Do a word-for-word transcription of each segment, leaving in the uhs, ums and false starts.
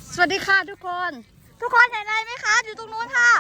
สวัสดีค่ะทุกคนทุกคนเห็นอะไรไหมคะอยู่ตรงนู้นค่ะ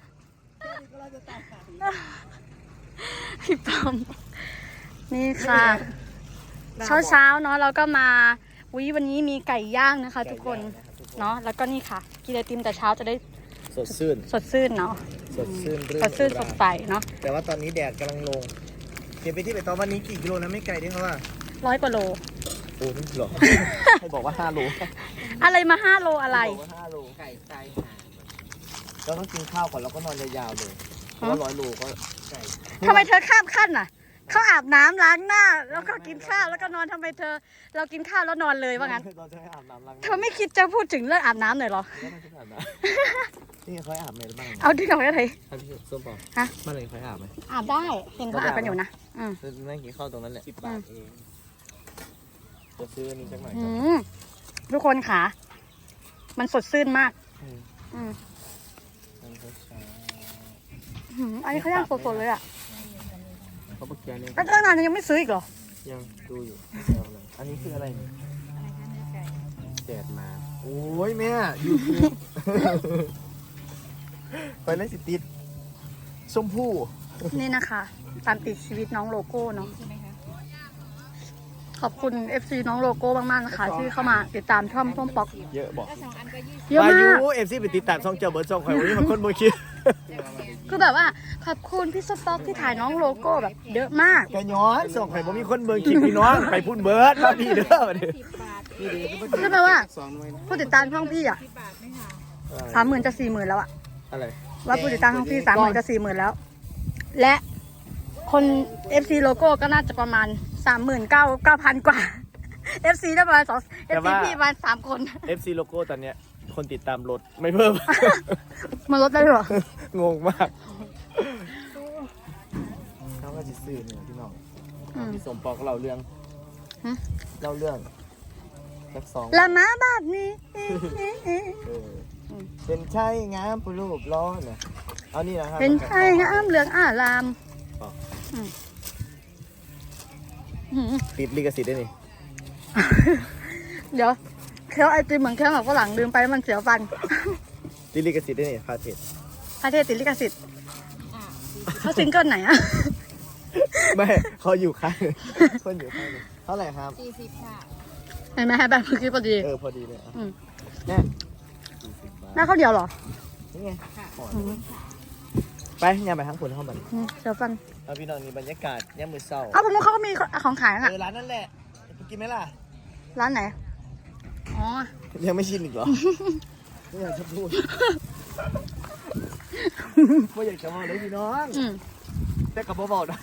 พี่ปอมนี่ค่ะเช้าเช้าเนาะเราก็มาวิวันนี้มีไก่ย่างนะคะทุกคนเนาะแล้วก็นี่ค่ะกินไอติมแต่เช้าจะได้สดชื่นสดชื่นเนาะสดชื่นสดชื่นสดใสเนาะแต่ว่าตอนนี้แดดกำลังลงเก็บไปที่ไปตอนวันนี้กี่กิโลนะไม่ไกลด้วยเขาว่าร้อยกว่าโลโอ้ไม่หรอให้บอกว่าห้าโลอะไรมาห้าโลอะไรบอกว่าห้าโลไก่ไก่เราต้องกินข้าวก่อนแล้วก็นอนยาวๆเลยเพราะว่าร้อยโลก็ไก่ทำไมเธอข้ามขั้นน่ะเขาอาบน้ำล้างหน้าแล้วก็กินข้าวแล้วก็นอนทำไมเธอเรากินข้าวแล้วนอนเลยว่างั้นเธอไม่คิดจะพูดถึงเรื่องอาบน้ำหน่อยหรอนี่เขาอาบไหมบ้างเอาที่เราอะไรท่านพี่ส้มปอฮะมันเลยเขาอาบไหมอาบได้เห็นเขาอาบกันอยู่นะอืมนั่งกินข้าวตรงนั้นแหละสิบบาทเองจะซื้อนี่สักหน่อยทุกคนค่ะมันสดชื่นมากอืมอันนี้เขาย่างสดๆเลยอ่ะเขาบอกแกนี่ตั้งนานยังไม่ซื้ออีกเหรอยังดูอยู่อันนี้คืออะไรแดดมาโอ้ยแม่ยูทูบไปเล่นสิติดชมพู่นี่นะคะตามติดชีวิตน้องโลโก้เนาะขอบคุณ เอฟ ซี น้องโลโก้มากๆนะคะที่เข้ามาติดตามช่องส้มป๊อกเยอะบอกเยอะมากเอฟซีไปติดตามช่องเจ้าเบิร์ดช่องใครวันนี้มันคนโมคิดคือแบบว่าขอบคุณพี่ส้มป๊อกที่ถ่ายน้องโลโก้แบบเยอะมากแกย้อนส่งใครบ่มีคนเบิร์ดคลิปพี่น้องไปพูดเบิร์ดมาดีเด้อคือแปลว่าผู้ติดตามช่องพี่อ่ะสามหมื่นจะสี่หมื่นแล้วอ่ะอะไรว่าผู้ติดตามช่องพี่สามหมื่นจะสี่หมื่นแล้วและคน เอฟ ซี โลโก้ก็น่าจะประมาณสามหมื่นเก้าเก้าพันกว่า เอฟ ซี ได้ประมาณสอง เอฟ ซี พี่ประมาณสามคนเอฟ ซี โลโก้ตอนเนี้ยคนติดตามลดไม่เพิ่มมันลดได้หรองงมากเขาก็จะซื้อเนี่ยพี่น้องพี่สมปองก็เล่าเรื่องเล่าเรื่องสักสองละมาแบบนี้เป็นใช่งามผู้รูปล้อเนี่ยเอานี่นะครับเป็นใช่งามเหลืองอารามติดลิขสิทธิ์ได้นี่เดี๋ยวเคี้ยวไอติมเหมือนเคี้ยวแบบฝรั่งลืมไปมันเสียวฟันติดลิขสิทธิ์ได้นี่พาเทศพาเทศติดลิขสิทธิ์เขาซิงเกิลไหนอะไม่เขาอยู่ข้างคนอยู่ข้างเท่าไหร่ครับสี่สิบค่ะเห็นไหมฮะแบบเมื่อกี้พอดีเออพอดีเลยแน่หน้าเขาเดียวหรอนี่ไงไปย่าไปทั้งคนเข้ามาเสียวฟันเอาพี่น้องนี่บรรยากาศย่ามือเศร้าเอาผมว่าเขาก็มีของขายนะเออร้านนั่นแหละกินไหมล่ะร้านไหนอ๋อยังไม่ชินอีกเหรอไม่อยากจะพูดไม่อยากจะมาเลยพี่น้องแต่กับเบาๆนะ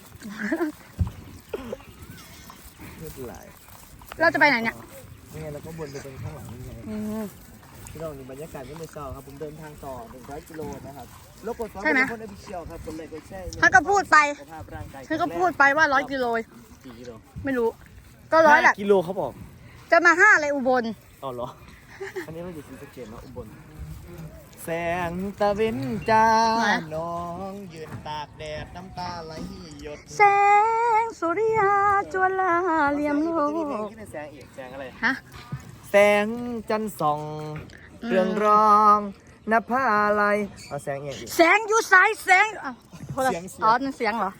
ไม่เป็นไรเราจะไปไหนเนี่ยนี่ไงเราก็วนไปตรงข้างหลังนี่ไงพี่น้องนี่บรรยากาศย่ามือเศร้าครับผมเดินทางต่อหนึ่งร้อยกิโลนะครับรบกวนฟังคนอภิเชียวครับคนเลยก็ใช่เขาก็พูดไปเขาก็พูดไปว่าร้อยกิโลกี่กิโลไม่รู้ก็ร้อยแหละกิโลเขาบอกจะมาห้าอะไรอุบลอ๋อเหรออันนี้เราอยู่ที่สะเกษเนาะอุบลแสงตะเวนจ้าน้องยืนตากแดดน้ำตาไหลหยดแสงสุริยาจวนลาเหลี่ยมโลกแสงอีกแสงอะไรฮะแสงจันทร์ส่องเรืองรองนภาอะไรเอาแสงอีกแสงอยู่สายแสงเสียงอ๋อนั่นเสียงเหรอ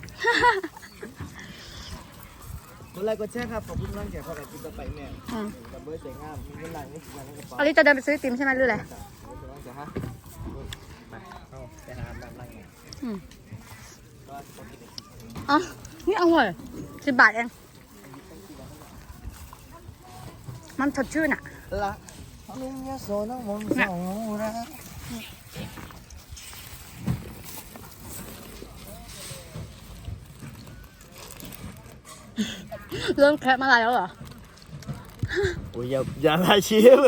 คนไรก็แช่ครับขอบคุณร่างแก่พ่อแก่กินกาแฟแม่กับเบอร์เสียงงามมีเงินหลังนี่สิบวันในกระเป๋าอันนี้จะเดินไปซื้อติมใช่ไหมหรืออะไรไปเอาไปหาแบบร่างไงอ๋อนี่อร่อยสิบบาทเองมันสดชื่นอ่ะละลุงยาโซน้องมนต์สองรักเริ่มแคปมาอะไรแล้วเหรอโอ้ยอย่าอย่าลายชี้เลย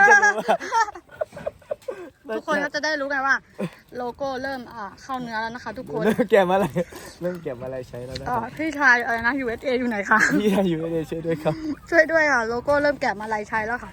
ทุกคนก็จะได้รู้กันว่าโลโก้เริ่มอ่าเข้าเนื้อแล้วนะคะทุกคนเริ่มแกะอะไรเริ่มแกะอะไรใช้แล้วนะอ๋อพี่ชายอะไรนะ ยู เอส เอ อยู่ไหนคะพี่ชาย ยู เอส เอ ช่วยด้วยครับช่วยด้วยค่ะโลโก้เริ่มแกะมาลายใช้แล้วค่ะ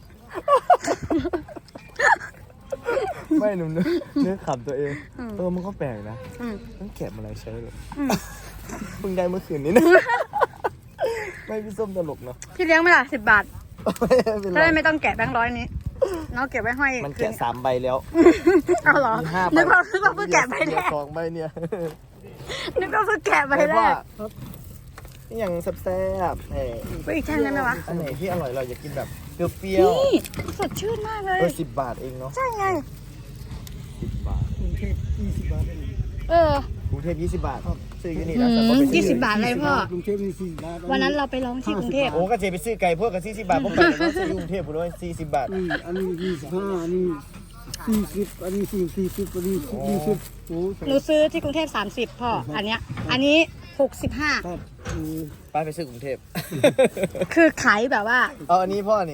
ไม่หนุ่มเนื้อขำตัวเองเออมันก็แปลกนะต้องแกะมาลายใช้เลยเพิ่งได้เมื่อคืนนี้นะไม่พี่ส้มตลกเนาะพี่เลี้ยงไหมล่ะสิบบาทจะได้ไม่ต้องแกะแบงค์ร้อยนี้น้องเก็บไว้ให้มันแกะสามใบแล้วเอาเหรอมีห้าใบนึกว่านึกว่าเพิ่งแกะใบแรกสองใบเนี่ยนึกว่าเพิ่งแกะใบแรกนี่อย่างแซ่บๆเฮ้ยไปอีกแท่งได้ไหมวะอันไหนที่อร่อยเราอยากกินแบบเปรี้ยวนี่สดชื่นมากเลยๆเออสิบบาทเองเนาะใช่ไงสิบบาทเออกรุงเทพยี่สิบบาทซื้ออยู่นี่อืแล้วแต่ก็มไปยี่ซื้สิบบาทเลยพ่อกรุงเทพมีสี่สิบบาทวันนั้นเราไปร้องที่กรุงเทพโอ้ก็เจไปซื้อไก่พวกกับสี่สิบบาทพวกไปเดี๋ยวเราซื้ออยู่กรุงเทพผมด้วยสี่สิบบาทนี่อันนี้ยี่สิบห้าอันนี้สี่สิบอันนี้สี่สี่สิบอันนี้ยี่สิบโอ้หนูซื้อที่กรุงเทพสามสิบพ่อ อันเนี้ย อันนี้หกสิบห้าครับเออป้าไปซื้อกรุงเทพคือขายแบบว่าเอาอันนี้พ่อนี่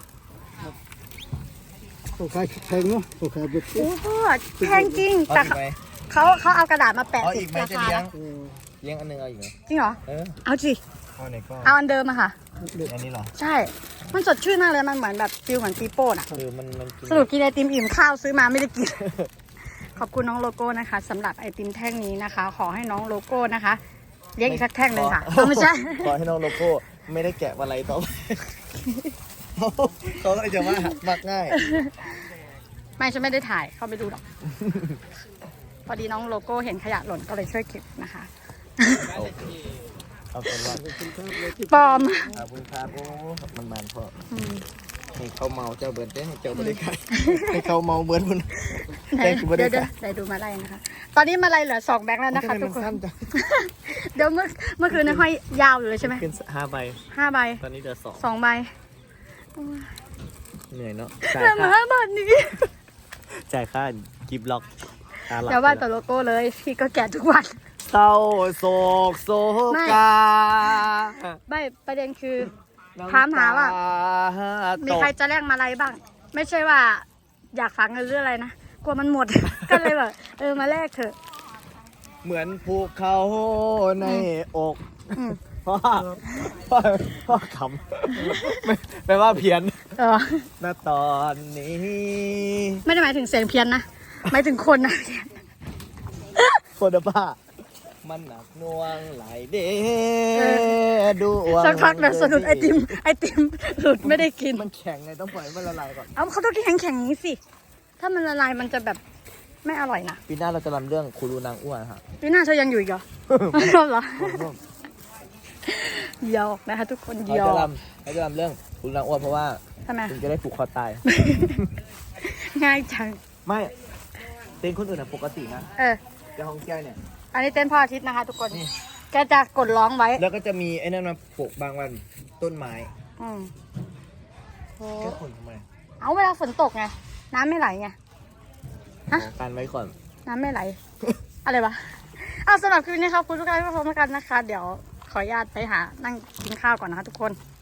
เขาขายแพงเนาะเขาขายแบบโอ้พ่อแพงจริงเอาแต่อีกไหมเขาเขาเอากระดาษมาแปะเอาติอีดกไหมราจะคาเลี้ยงเออเลี้ยงอันหนึงเอาอีกไหมจริงเหรอเออเอาสิเอาไหนก็เอาอันเดิมอะค่ะอันนี้เหรอใช่ มันสดชื่นมากเลย มันเหมือนแบบฟิลเหมือนปีโป้น่ะคือมันมันกินสรุปกินไอติมอิ่มข้าวซื้อมาไม่ได้กิน ขอบคุณน้องโลโก้นะคะสำหรับไอติมแท่งนี้นะคะ ขอให้น้องโลโก้นะคะเลี้ยงอีกสักแท่งหนึ่งค่ะเอาไม่ใช่ขอให้น้องโลโก้ไม่ได้แกะอะไรต่อไป เขาก็เลยจะว่ามักง่ายไม่ฉันไม่ได้ถ่ายเข้าไปดูหรอก พอดีน้องโลโก้เห็นขยะหล่นก็เลยช่วยเก็บนะคะเอาเอาเป็นว่าปลอมขอบคุณครับโอ้มันมันพ่ออืมให้เขาเมาเจ้าเบิร์ดได้ให้เจ้าบริการให้เขาเมาเบิร์ดมันไหนได้กูไม่ได้เดี๋ยวเดี๋ยวเดี๋ยวดูมาไล่นะคะ ตอนนี้มาไล่เหลือสองแบงค์แล้วนะคะทุกคนทำไมมัสั้จังเดี๋ยวเมื่อเมื่อคืนในห้อยยาวอยู่เลยใช่ไหมขึ้นห้าใบห้าใบตอนนี้เดือสองสองใบเหนื่อยเนาะเหลือมาห้าบาทนี้จ่ายค่ากิฟต์ล็อกตาหลับเดี๋ยวว่าแต่โลโก้เลยพี่ก็แกะทุกวันเศร้าโศกโศไม่กาใบประเด็นคือ ถามหาว่า มีใครจะแลกมาอะไรบ้าง ไม่ใช่ว่า อยากฝากเงินหรืออะไรนะกลัวมันหมด ก็เลยแบบเออมาแลกเถอะเหมือนภูเขาในอกอืมพ่อพ่อพ่อขำไม่แปลว่าเพี้ยนเออณตอนนี้ไม่ได้หมายถึงเสียงเพี้ยนนะหมายถึงคนนะโคตรบ้ามันหนักหน่วงหลายเดดวงสักพักเดี๋ยวสะดุดไอติมไอติมหลุดไม่ได้กินมันแข็งไงต้องปล่อยให้มันละลายก่อนเอาเขาต้องกินแข็งๆอย่างนี้สิ ถ้ามันละลายมันจะแบบไม่อร่อยนะปีหน้าเราจะรำเรื่องคูรูนางอ้วนฮะปีหน้าเธอยังอยู่อีกเหรอ ไม่รอบเหรอหยอกนะคะทุกคนเราหยอจะกรำเราจะรำเรื่องคูรูนางอ้วนเพราะว่าทำไมคุณจะได้ผูกคอตายง่ายจังไม่เต้นคนอื่นอะปกตินะเออแต่ของแกเนี่ยอันนี้เต้นพ่ออาทิตย์นะคะ ทุกคนนี่แกจะกดร้องไว้แล้วก็จะมีไอ้นั่นมาปลูกบางวันต้นไม้อืมโอ้แค่คนทำไมเอาเวลาฝนตกไง น้ำไม่ไหลไง ฮะขอการไว้ก่อนน้ำไม่ไหล อะไรวะเอาสำหรับคลิปนี้ครับคุณทุกท่านที่รับชมกันนะคะ เดี๋ยวขออนุญาตไปหานั่งกินข้าวก่อนนะคะทุกคน